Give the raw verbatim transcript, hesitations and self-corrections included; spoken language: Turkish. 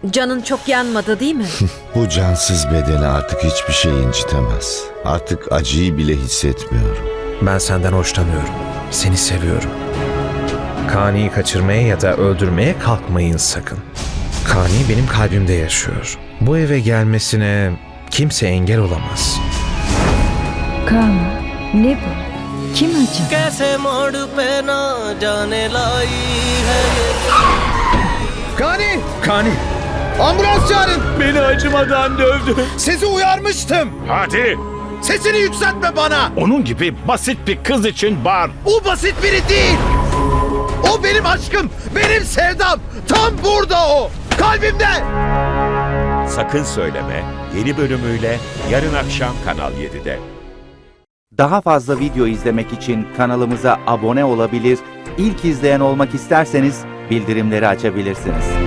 Canın çok yanmadı değil mi? Bu cansız bedeni artık hiçbir şey incitemez. Artık acıyı bile hissetmiyorum. Ben senden hoşlanıyorum. Seni seviyorum. Kani'yi kaçırmaya ya da öldürmeye kalkmayın sakın. Kani benim kalbimde yaşıyor. Bu eve gelmesine kimse engel olamaz. Kaan, ne bu? Kim acaba? कैसे मोड़ पे ना जाने लाई है ये Kani! Kani! Ambulans çağırın! Beni acımadan dövdü. Sizi uyarmıştım! Hadi. Sesini yükseltme bana! Onun gibi basit bir kız için bağır. O basit biri değil! O benim aşkım, benim sevdam! Tam burada o! Kalbimde! Sakın Söyleme yeni bölümüyle yarın akşam Kanal yedide. Daha fazla video izlemek için kanalımıza abone olabilir, ilk izleyen olmak isterseniz bildirimleri açabilirsiniz.